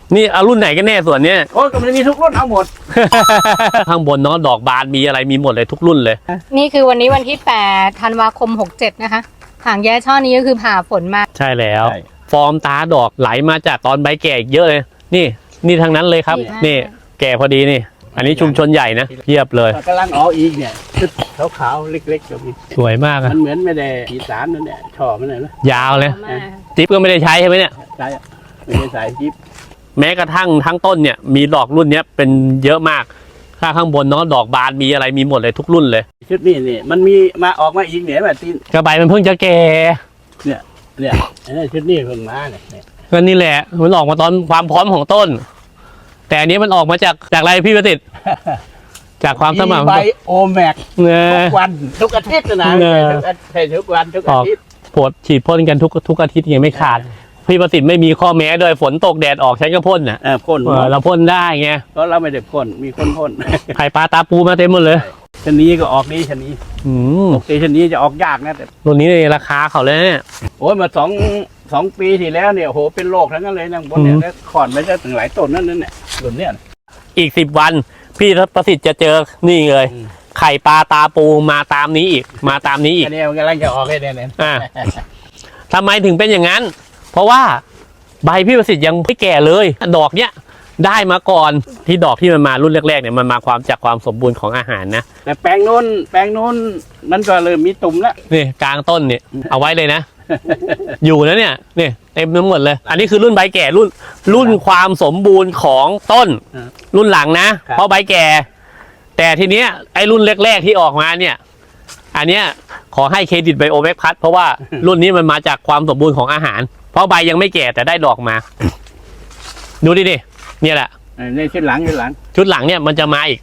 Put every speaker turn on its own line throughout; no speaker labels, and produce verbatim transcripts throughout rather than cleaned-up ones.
นี่เอารุ่นไหนกันแน่ส่วนเนี้ย
โอ้ยก็มันมีทุกรุ่นเอาหมด
ข้างบนเนาะดอกบานมีอะไรมีหมดเลยทุกรุ่นเลย
นี่คือวันนี้วันที่แปดธันวาคมหกเจ็ดนะคะหางแย่ช่อนี้ก็คือผ่าฝนมา
ใช่แล้ว
ใช่
ฟอร์มตาดอกไหลมาจากตอนใบแก่อีกเยอะเลย นี่นี่ทางนั้นเลยครับ
ดีมาก
นี่แก่พอดีนี่ อันนี้ชุมชนใหญ่นะเทียบเลย
กำลังออกอีกเนี่ยชุดขาวๆเล็กๆก็มี
สวยมากอะ
มันเหมือนไม่ได้สีสารนั่นแหละช่อมันเลยนะ
ยาวเลย
มาก
จิ๊บก็ไม่ได้ใช้ใช่ไหมเนี่ย
ใช่อะไม่ได้สายจิ๊บ
แม้กระทั่งทั้งต้นเนี่ยมีดอกรุ่นเนี้ยเป็นเยอะมากถ้าข้างบนเนาะดอกบานมีอะไรมีหมดเลยทุกรุ่นเลย
ชุดนี้นี่มันมีมาออกมาอีกเนี่ยแบบตีน
กระใบมันเพิ่งจะแก่
เนี่ยเนี่ยอันนี้ชุดนี้เพิ่งมาเนี่ยเนี่ย
ก็นี่แหละมันออกมาตอนความพร้อมของต้น แต่อันนี้มันออกมาจากจากอะไรพี่ประสิทธิ์ จากความสม่ำ
ใบโอแม็ก
เน
ทุ
ย
กวันทุกอาทิตย์นะ
เออ
ทุกอาทิตย์ทุกวันทุกอาทิตย์
ปวดฉีดพ่นกันทุกทุกอาทิตย์ยังไม่ขาด พี่ประสิทธิ์ไม่มีข้อแม้ด้วยฝนตกแดดออกฉันก็พ่นน่ะ
เออพ่น
เออเราพ่นได้ไง
เพราะเราไม่ได้พ่นมีคนพ่น
ไข่ปลาตาปูมาเต็มหมดเลย
ชนนี้ก็ออกนี้ชนนี้
อืม
ปกติชนนี้จะออกยากนะแต่
ตัวนี้ในราคาเขาเลยเนี่ย
โอ้ยมาสองสองปีที่แล้วเนี่ยโหเป็นโรคทั้งนั้นเลยนะบนเนี่ย
อืม
แล้วขอนไปได้ถึงหลายต้นนั่นนั่นเนี่ยรุ่นเนี่ย
อีกสิบวันพี่ประสิทธิ์จะเจอนี่เลย
อืม
ไข่ปลาตาปูมาตามนี้อีก มาตามนี้อีก
อันนี้มันกำลังจะออกเลยเนี่ยเนี่ย
อ่า ทำไมถึงเป็นอย่างนั้น เพราะว่าใบพี่ประสิทธิ์ยังไม่แก่เลย ดอกเนี้ยได้มาก่อนที่ดอกที่มันมารุ่นแรกๆเนี่ยมันมาความจากความสมบูรณ์ของอาหารนะ
แต่แปลงโน้นแปลงโน้นมันก็เริ่มมีตุ่มแล้ว
นี่กลางต้นเนี่ยเอาไว้เลยนะ อยู่นะเนี่ยนี่เต็มทั้งหมดเลย อันนี้คือรุ่นใบแก่รุ่นรุ่นความสมบูรณ์ของต้น
อ่า
รุ่นหลังนะ
ครับ
เพราะใบแก่ แต่ทีเนี้ยไอ้รุ่นแรกๆที่ออกมาเนี่ย อันเนี้ยขอให้เครดิตไบโอแมกพัทเพราะว่ารุ่นนี้มันมาจากความสมบูรณ์ของอาหาร เพราะใบยังไม่แก่แต่ได้ดอกมา ดูดิดิเนี่ยแหละ
ในชุดหลังชุดหลัง
ชุดหลังเนี่ยมันจะมาอีก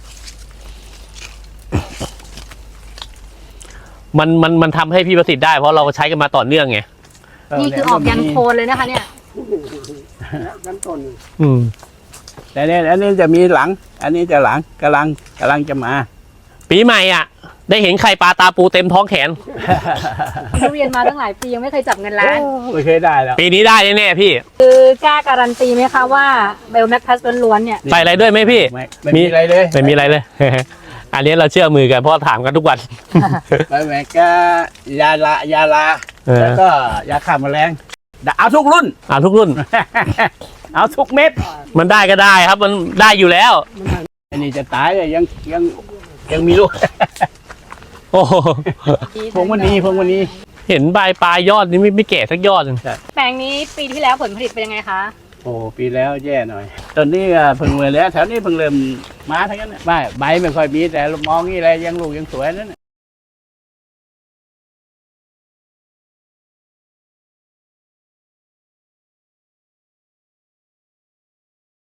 มันมันมันทำให้พี่ประสิทธิ์ได้เพราะเราใช้กันมาต่อเนื่องไง
นี่คือออกยันโคนเลยนะคะเนี่ย
ยันต้น
อืม
แต่เนี่ยอันนี้จะมีหลัง อันนี้จะหลังกำลังกำลังจะมา
ปีใหม่อ่ะ ได้เห็นไข่ปลาตาปูเต็มท้องแขน
ทุเรียนมาตั้งหลายปียังไม่เคยจับเงินล้าน
ไม่เคยได้แล้ว
ปีนี้ได้แน่ๆพี่
คือกล้าการันตีไหมคะว่าเบลแมคพัสล้วนๆเนี่ย
ใส่อะไรด้วยไหมพี่
ไม่ไม่มีอะไรเลย
ไม่มีอะไรเลย อันนี้เราเชื่อมือกันเพราะถามกันทุกวัน
ไม่แม้ก็ยาลายาลา
เออ
แล้วก็ยาฆ่าแมลงเอาทุกรุ่น
อ่าทุกรุ่น
เอาทุกเม็ด
มันได้ก็ได้ครับ มันได้อยู่แล้ว
อันนี้จะตายเลยยังยังยังมีลูก
โอ้โห
พวงวันนี้พวงวันนี้
เห็นใบปลายยอดนี่ไม่ไม่แก่สักยอดหนึ่ง
แปลงนี้ปีที่แล้วผลผลิตเป็นยังไงคะ
โอ้ปีแล้วแย่หน่อยตอนนี้ก็เพิ่งเลยแล้วแถวนี้เพิ่งเริ่มมาทั้งนั้นน่ะไม่ใบไม่ค่อยมีแต่มองนี่อะไรยังลูกยังสวยนั่นน่ะ